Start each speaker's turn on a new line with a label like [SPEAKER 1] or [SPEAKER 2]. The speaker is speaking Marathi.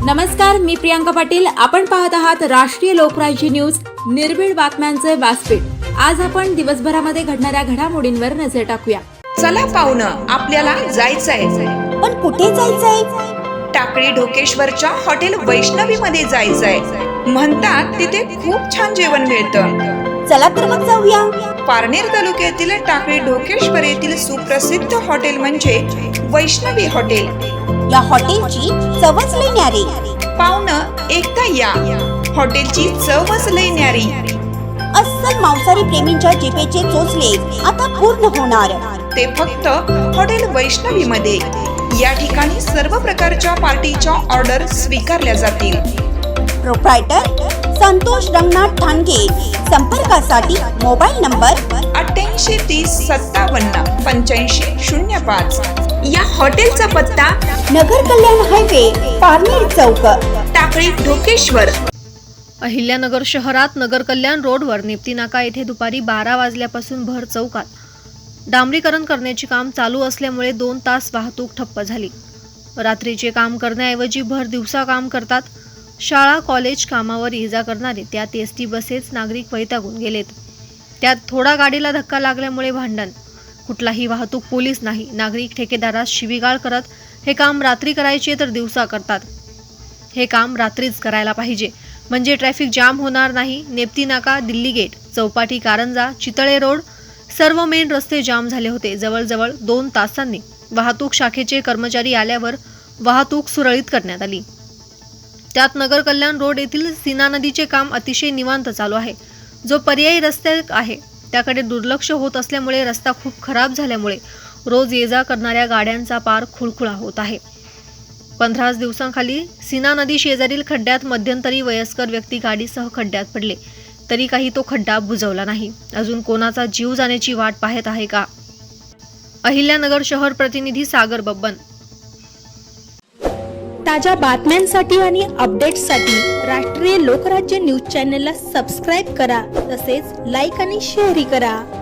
[SPEAKER 1] नमस्कार, मी प्रियांका पाटील. आपण पाहत आहात राष्ट्रीय लोकराज्य न्यूज, निर्भीड बातम्यांचे व्यासपीठ. आज आपण दिवसभरामध्ये घडणाऱ्या घडामोडींवर नजर टाकूया.
[SPEAKER 2] चला पाहुणं, आपल्याला जायचंय.
[SPEAKER 3] पण कुठे जायचंय?
[SPEAKER 2] टाकळी ढोकेश्वरच्या हॉटेल वैष्णवी मध्ये जायचंय. म्हणतात तिथे खूप छान जेवण मिळतं.
[SPEAKER 3] चला तर मग जाऊया.
[SPEAKER 2] पारनेर तालुक्यातील टाकळी ढोकेश्वर येथील सुप्रसिद्ध हॉटेल म्हणजे वैष्णवी हॉटेल.
[SPEAKER 3] या हॉटेलची चवच लई न्यारी.
[SPEAKER 2] पाहुणं, एकदा या. हॉटेलची चवच लई न्यारी.
[SPEAKER 3] अस्सल मांसाहारी प्रेमींच्या जिभेचे चोचले आता पूर्ण होणार.
[SPEAKER 2] ते फक्त हॉटेल वैष्णवी मध्ये. या ठिकाणी सर्व प्रकारच्या पार्टीच्या ऑर्डर स्वीकारल्या जातील.
[SPEAKER 3] प्रोप्रायटर संतोष रंगनाथ ठाणगे. संपर्कासाठी मोबाईल नंबर
[SPEAKER 2] 8830578505. या हॉटेलचा पत्ता
[SPEAKER 3] नगर कल्याण हायवे, पारनेर चौक,
[SPEAKER 2] टाकळी ढोकेश्वर.
[SPEAKER 4] अहिल्यानगर शहरात नगर कल्याण रोडवर नेप्ती नाका येथे दुपारी 12 वाजल्यापासून भर चौकात डांबरीकरण करण्याचे काम चालू असल्यामुळे 2 तास वाहतूक ठप्प झाली. रात्रीचे काम करण्याऐवजी भर दिवसा काम करतात. शाळा कॉलेज कामावर ये-जा करणारे, त्यात एसटी बसेस नागरिक वैतागून गेलेत. त्यात थोडा गाडीला धक्का लागल्यामुळे भांडण. कुठलाही वाहतूक पोलीस नाही. नागरिक ठेकेदारास शिवीगाळ करत हे काम रात्री करायचे तर दिवसा करतात. हे काम रात्रीच करायला पाहिजे, म्हणजे ट्रॅफिक जाम होणार नाही. नेप्ती नाका, दिल्ली गेट, चौपाटी, कारंजा, चितळे रोड सर्व मेन रस्ते जाम झाले होते. जवळजवळ 2 तासांनी वाहतूक शाखेचे कर्मचारी आल्यावर वाहतूक सुरळीत करण्यात आली. त्यात नगर कल्याण रोड येथील सीना नदीचे काम अतिशय निवांत चालू आहे. जो पर्यायी रस्ते आहे त्याकडे दुर्लक्ष होत असल्यामुळे रस्ता खूप खराब झाल्यामुळे रोज ये-जा करणाऱ्या गाड्यांचा पार खुळखुळा होत आहे. 15 दिवसांखाली सीना नदी शेजारील खड्ड्यात मध्यंतरी वयस्कर व्यक्ती गाडीसह खड्ड्यात पडले, तरी काही तो खड्डा बुजवला नाही. अजून कोणाचा जीव जाण्याची वाट पाहत आहे का? अहिल्यानगर शहर प्रतिनिधी सागर बब्बन.
[SPEAKER 5] ताज्या बातम्यांसाठी आणि अपडेट्ससाठी राष्ट्रीय लोकराज्य न्यूज चॅनलला सबस्क्राईब करा. तसेच लाईक आणि शेअरही करा.